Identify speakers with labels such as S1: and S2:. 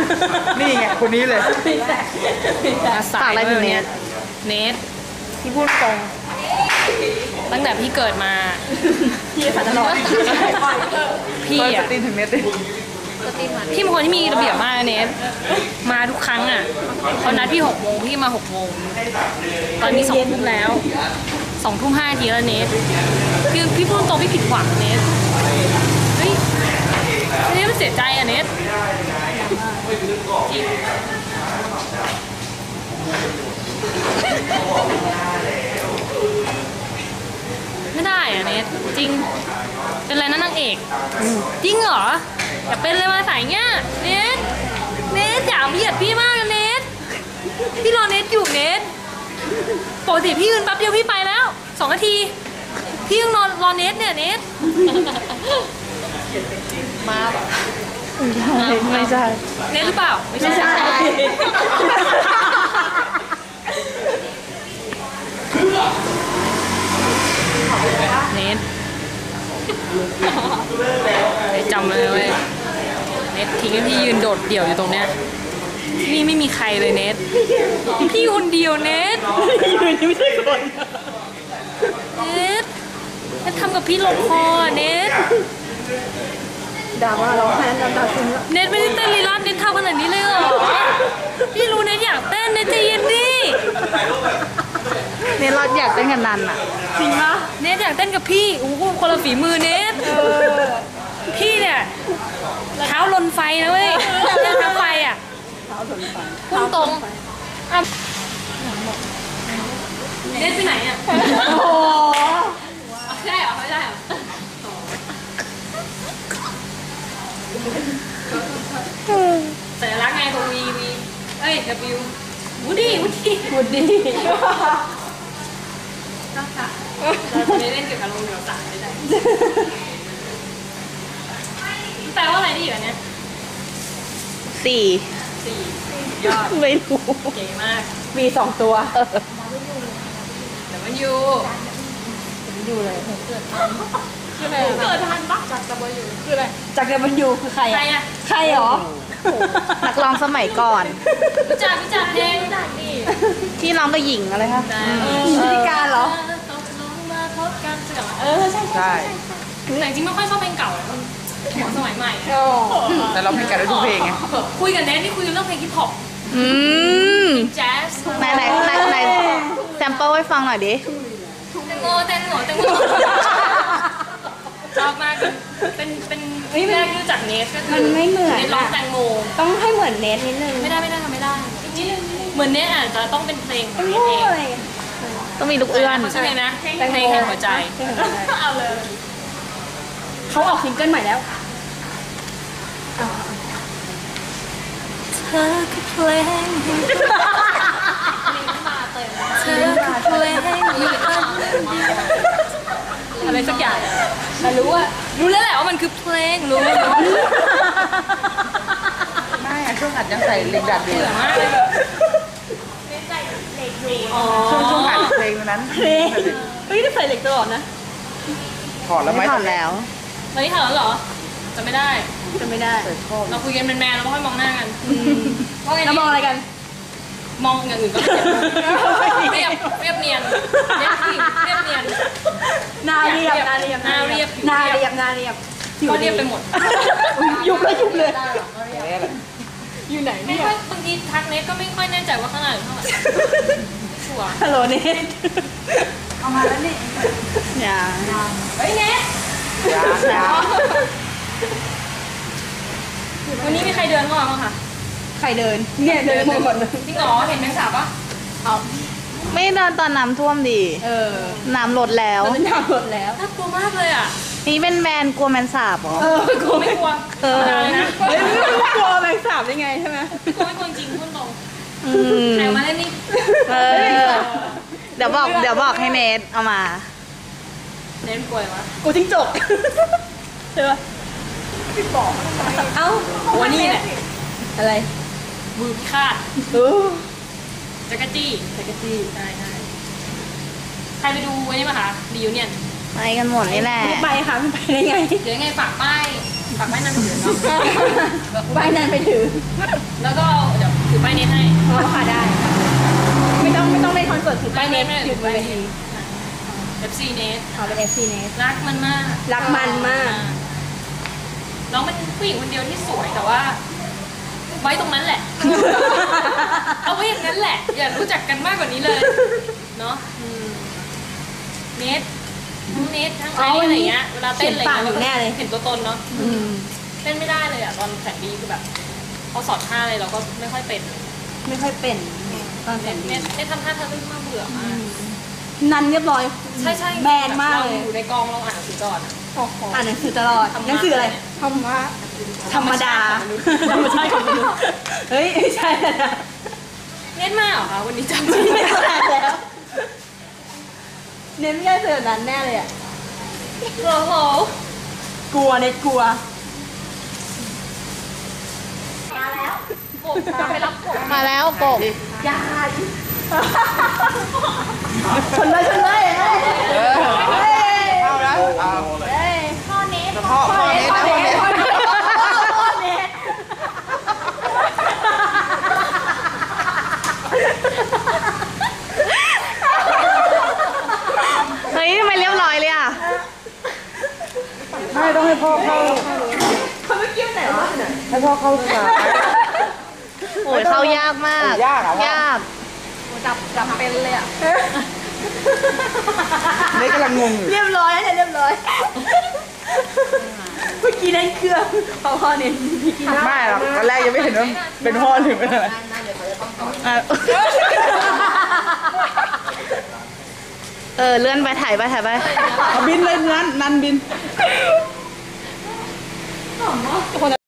S1: นี่ไงคนนี้เลย
S2: ฝากอะไรถึงเนทพี่พูดตรงตั้งแต่พี่เกิดมาพี่ฝันตลอดพี่อะ
S1: ตีถึงเน็ตดิ
S2: พี่เป็นคนที่มีระเบียบมากเนทมาทุกครั้งอ่ะเขานัดพี่6 โมงพี่มา6 โมงตอนนี้2 ทุ่มแล้ว2 ทุ่ม 5 นาทีแล้วเนทคือพี่พูดตรงพี่ผิดหวังเนทเฮ้ยเนทมันเสียใจอ่ะเนทไม่ได้อ่ะเนทจริงเป็นอะไรนะนางเอกจริงเหรออย่าเป็นเลยมาสายเงี้ยเนทอย่าเบียดพี่มากนะเนทพี่รอเนทอยู่เนทปกติพี่ยืนแป๊บเดียวพี่ไปแล้ว2 นาทีพี่ยังรอเนทเนี่ยเนทมาแบบ
S3: ไม่ใช่
S2: เนทหรือเปล่าไม่ใช่เนทจำเลยเว้ยเนททิ้งให้พี่ยืนโดดเดี่ยวอยู่ตรงเนี้ยนี่ไม่มีใครเลยเนทพี่คนเดียวเนทยืนไม่ใช่คนเนททำกับพี่ลงคอเนท
S3: ด่าว่าเราแพ้น้ำตาซึมแล้ว
S2: เนทไม่ได้เต้นลีลาเนททำขนาดนี้เลยเหรอพี่รู้เนทอยากเต้นเนทใจเย็นดิ
S3: เนทเราอยากเต้นกันนันอ่ะ
S2: จริงปะเนทอยากเต้นกับพี่โอ้โหคนละฝีมือเนทพี่เนี่ยเท้าลนไฟนะเว้ยเท้าไฟอ่ะพุ่งตรงเนทไปไหนอ่ะโอ้ใช่เหรอไม่ใช่เหรอสัญลักษณ์ไงตรงวีเอ้ย W วูดดี้ก็ค่ะเราจะไม่เล่นเกี่ยวกับโรงเรียนศาสตร์ไม่ได้แปลว่าอะไรดีอยู่เนี่ย4 ยอด
S3: ไม่รู้
S2: เก๋มาก
S3: มี2 ตัว
S2: แต่มันอยู่
S3: เลย
S2: เกิดทันปะจากWคืออะไร
S3: จากWคือใคร
S2: อ่ะ
S3: ใครหรอนักร้องสมัยก่อน
S2: รู้จักเพลงนี่
S3: ที่ร้องกับหญิงอะไรคะพิธีการเหรอ
S1: ใช่
S2: แต่จริงไม่ค่อยชอบเพลงเก่าของสมัยใหม่
S1: แต่เราเพลงกันได้ทุกเพลงไง
S2: คุยกันเนทนี่คุยเรื่องเพลงฮิปฮอปแจ๊ส
S3: ไหนแซมเปิลให้ฟังหน่อยดิ
S2: แตงโมชอบมากเป็นแรกรู้จักเนทก็คือ
S3: มันไม่เหมือน
S2: เนทร้องแตงโม
S3: ต้องให้เหมือนเนทนิดนึง
S2: ไม่ได้ทำไม่ได้เหมือนเนทอาจจะต้องเป็นเพลงของเนทเอง
S3: ต้องมีลูกเอื้อน
S2: ใช่ไหมนะเพลงแห่งหัวใจเอาเลย
S3: เขาออกซิงเกิลใหม่แล้ว
S2: เธอคือเพลงเธอคือเพลงอะไรสักอย่างแต่รู้แล้วแหละว่ามันคือเพลงรู้
S1: ไม่ช่วงอัดยังใส่เหล็กดัดอยู่
S2: มากเลย
S1: ช่วงอัดเพลงนั้น
S3: เฮ้ยได้ใส่เหล็กตลอดนะ
S1: ถอดแล้วไหม
S3: ถอดแล้ว
S2: ตอนนี้ถอดแล้วเหรอจะไม่ได้เราคุยกันเป็นแมนเราไม่ค่อยมองหน้ากัน
S3: เรามองอะไรกัน
S2: มองอย่างอื่นก็เรียบเนียน
S3: นาเรียบก็เรียบ
S2: ไปหมด
S3: ยุบเลยอยู่ไหน
S2: ไม่ค่อยบางทีทักเน็ตก็ไม่ค่อยแน่ใจว่าข้างหน้าหรือข้างหลังชัวร์
S3: ฮัลโหลเน็ต
S2: เอามาแล้วนี่เฮ้ยเน็ตวันนี้มีใครเดินเข้ามาบ้างคะ
S3: ใครเดินเนี่ยเดินหมดเลย
S2: จริงเหรอเห็นแมงสาบปะ
S3: ไม่เดินตอนน้ำท่วมดิน้ำลดแล้ว
S2: น่ากลัวมากเลยอ่ะ
S3: นี่เป็นแมนกลัวแมงสาบเหร
S2: อกลัวไม่กลัว
S3: นะไม่กลัวแมงสาบได้ไงใช่ไหม
S2: ไม่กลัวจริงพูดตรงใครมาเล่นนี่
S3: เดี๋ยวบอกให้เนทเอามา
S2: เนทกลัววะ
S3: กูจิ้งจกใช่ปะ
S1: พี่บอก
S2: เอ้าวันนี้แหละ
S3: อะไร
S2: มือพิฆาตจักรจี้ใช่ใครไปดูวันนี้มาคะรีวิวเนี่ย
S3: ไปกันหมดนี่แหละ
S2: ไม่ไปค่ะไม่ไปได้ไงเดี๋ยวไงฝากป้ายฝากไว้นานไปถือเนาะ
S4: ใบนั้นไปถือ
S2: แล้วก็เดี๋ยวถือป้ายเน็ตให้
S4: อ๋อค่ะได้ ไม่ต้องเล่นคอนเสิร์ตถือป้ายเน็ตถือป้ายเน็ต
S2: FC เน็ต
S4: เอาเป็น FC เน็ต
S2: รักมันมาก
S4: รักมันมาก
S2: น้องเป็นผู้หญิงคนเดียวที่สวยแต่ว่า ไว้ตรงนั้นแหละ เอาไว้อย่างนั้นแหละ อย่ารู้จักกันมากกว่านี้เลย เนาะเน็ตทั้งเน็ตทั้งไอซ์อะไรเงี้ย เวลาเต้นอะไรเงี้ยเราก็เห็นตัวตนเนาะเต้นไม่ได้เลยอ่ะตอนแสนดีคือแบบเขาสอนท่าอะไรเราก็ไม่ค่อยเป็น
S4: ไม่ค่อยเป็นตอนแสนดี
S2: เน็ตทำท่าทะลึ่งมากเบื่อมาก
S4: นันเรียบร้อย
S2: ใช่ใช่
S4: แบนมากเลย
S2: รอยู่ในกองเราอ่านหนังสือก่อนอ่ะ
S4: อ่านหนังสือตลอดหนังสืออะไรธรรมะธรรมดาธรรมชาติของมนุษย์เฮ้ยไม่ใช่แล้วนะ
S2: เน็ตมาเหรอคะวันนี้จำชื่อ
S4: ไม่
S2: ไม่ได้
S4: ใช่แล้วเน้นไม่ใช่เสือนั้นแน่เลยอ่ะ
S2: โอ้โห
S4: กลัวเน็ตกลัว
S2: ผมไปรับผม
S3: มาแล้วกบ
S4: ยาชนเลยชนเลยเฮ้ย
S1: เอาแล้วเอา
S4: เฮ้ย
S1: พ่อเน้นนะพ่อเน้น
S3: เฮ้ยทำไมเรียบร้อยเลยอ่ะ
S1: ไม่ต้องให้พ่อเข้า
S4: เขาไม่เกี่ยวไหนวะ
S1: ให้พ่อเข้าสาย
S3: โอ้ยเข้ายากมาก
S1: ยากอะวะ
S3: ยาก
S2: จับเป็นเลยอ่ะ
S1: เน้นกำลังงงอยู่
S4: เรียบร้อยนะเรียบร้อยเมื่อกี้นั่นเครื่องพ่อเน้นพี่กิน
S1: ไม่หรอกตอนแรกยังไม่เห็นว่าเป็นพ่อหรือเป็นอะไร
S3: อ่ะเลื่อนไปถ่ายไป
S1: เอาบินเลยนันบิน